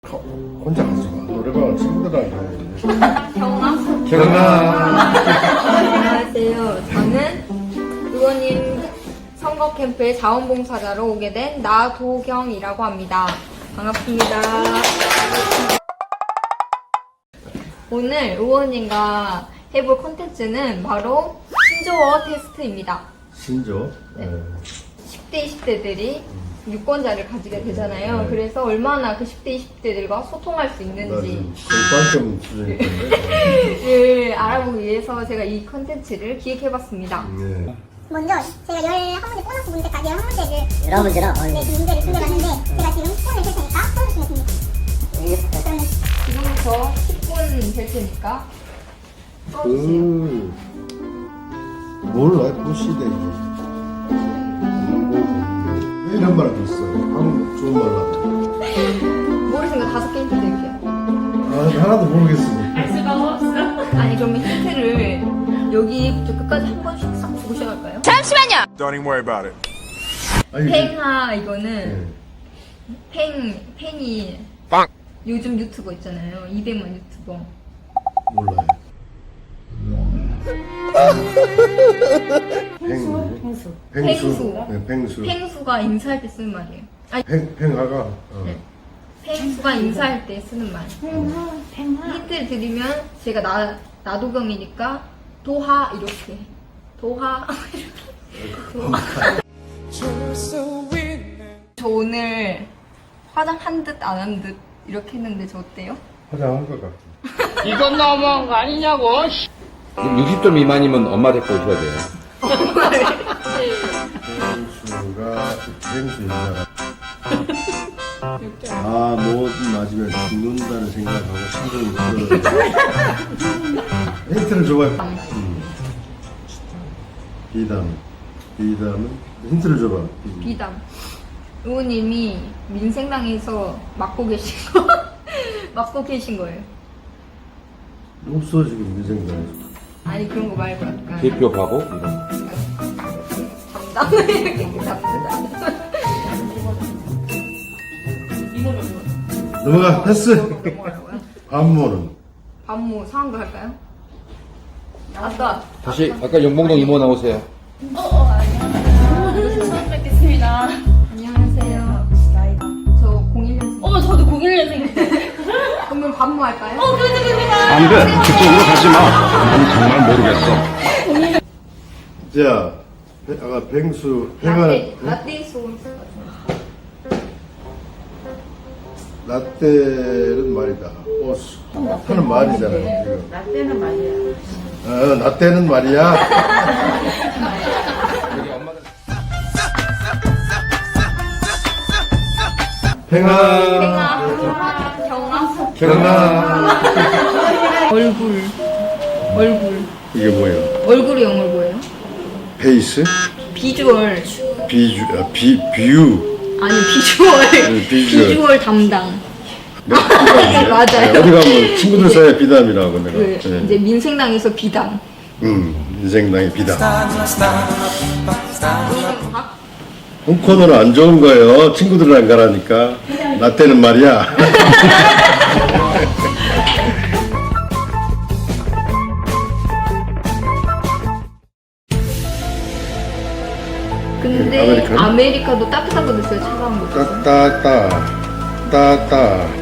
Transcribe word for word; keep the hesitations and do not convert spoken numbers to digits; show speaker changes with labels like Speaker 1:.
Speaker 1: 혼자 가지 마. 노래방은 친구들하고 가야지.
Speaker 2: 경아.
Speaker 1: 경아.
Speaker 2: 안녕하세요. 저는 의원님 선거 캠프에 자원봉사자로 오게 된 나도경이라고 합니다. 반갑습니다. 오늘 의원님과 해볼 콘텐츠는 바로 신조어 테스트입니다.
Speaker 1: 신조.
Speaker 2: 네. 십 대, 이십 대들이 유권자를 가지게 되잖아요.
Speaker 1: 네.
Speaker 2: 그래서 얼마나 그 십 대, 이십 대들과 소통할 수 있는지
Speaker 1: 공방점 수준인데.
Speaker 2: 를 알아보기 위해서 제가 이 콘텐츠를 기획해봤습니다.
Speaker 1: 네.
Speaker 3: 먼저 제가 열한 문제 보너스 문제까지 열한 문제를
Speaker 4: 여러 문제나 어,
Speaker 3: 네, 그 문제를 준비해봤는데 제가 지금 십 분을 줄 테니까 써주시면 됩니다. 그러면
Speaker 2: 지금부터 십 분 될 테니까 써주세요.
Speaker 1: 음. 몰라, 그 시대. 왜 이런 말을 했어? 한국 좋은 말 하다.
Speaker 2: 모르시는 거 다섯 개 힌트 드릴게요.
Speaker 1: 아, 하나도 모르겠어.
Speaker 2: 아니 그러면 힌트를 여기부터 끝까지 한 번씩 싹 주고 시작할까요?
Speaker 5: Don't even worry about it.
Speaker 1: 아니,
Speaker 2: 팽하 이거는
Speaker 1: 네.
Speaker 2: 팽 팽이
Speaker 5: 빵.
Speaker 2: 요즘 유튜버 있잖아요. 이백만 유튜버.
Speaker 1: 몰라요. 팽수. 팽수.
Speaker 2: 팽수.
Speaker 1: 네, 팽수.
Speaker 2: 팽수가 인사할 때 쓰는 말이에요. 아니
Speaker 1: 팽, 팽하가. 어.
Speaker 2: 네. 팽수가 인사할 때 쓰는 말. 힌트를 드리면 제가 나 나도경이니까 도하 이렇게 도하 이렇게 도하. 저 오늘 화장한 듯 안 한 듯 이렇게 했는데 저 어때요?
Speaker 1: 화장한 것 같아.
Speaker 6: 이건 너무한 거 아니냐고.
Speaker 7: 육십 점 미만이면 엄마 데리고 오셔야 돼요.
Speaker 1: 팽수가, 팽수 인사가. 아, 뭐든 맞으면 죽는다는 생각하고 신경이 들어요. 힌트를 줘봐요. 음. 비담. 비담은? 힌트를 줘봐. 음.
Speaker 2: 비담. 의원님이 민생당에서 맡고 계신 거 맡고 계신 거예요.
Speaker 1: 없어, 지금 미생당에서.
Speaker 2: 아니 그런 거 말고 약간
Speaker 7: 대표하고 이런.
Speaker 2: 담당 이렇게 담당.
Speaker 1: 넘어가, 패스! 반모는?
Speaker 2: 반모 상황도 할까요? 아까
Speaker 7: 다시 아까 영봉동 이모 나오세요.
Speaker 6: 처음 뵙겠습니다.
Speaker 2: 안녕하세요. 저 공일 년생.
Speaker 6: 어, 저도 공일 년생인데.
Speaker 2: 그러면 반모 할까요?
Speaker 6: 어, 그렇습니다.
Speaker 5: 안 돼. 그쪽으로 가지 마. 난 정말 모르겠어.
Speaker 1: 자, 배- 아까 팽수, 팽아,
Speaker 2: 라떼 라떼 소울.
Speaker 1: 라떼는 말이다. 어, 하는 말이잖아요, 지금.
Speaker 6: 라떼는 말이야.
Speaker 1: 어, 라떼는 말이야. 팽아,
Speaker 2: 팽아, 경아,
Speaker 1: 경아.
Speaker 2: 얼굴, 얼굴.
Speaker 1: 이게 뭐예요?
Speaker 2: 얼굴의 영어로 뭐예요?
Speaker 1: 페이스?
Speaker 2: 비주얼.
Speaker 1: 비주, 아, 비, 뷰.
Speaker 2: 아니 비주얼.
Speaker 1: 네, 비주얼.
Speaker 2: 비주얼 담당.
Speaker 1: 네,
Speaker 2: 맞아요.
Speaker 1: 어디 가면 친구들 사이에 비담이라고 내가.
Speaker 2: 그
Speaker 1: 네.
Speaker 2: 이제 민생당에서 비담.
Speaker 1: 음, 인생당의 비담.
Speaker 2: 박
Speaker 1: 홈코너는 안 좋은 거예요. 친구들 안 가라니까. 라떼는 말이야.
Speaker 2: 근데
Speaker 1: 아메리카노?
Speaker 2: 아메리카노 따뜻한 거 드세요? 차가운 거 드세요?
Speaker 1: 따따따 따따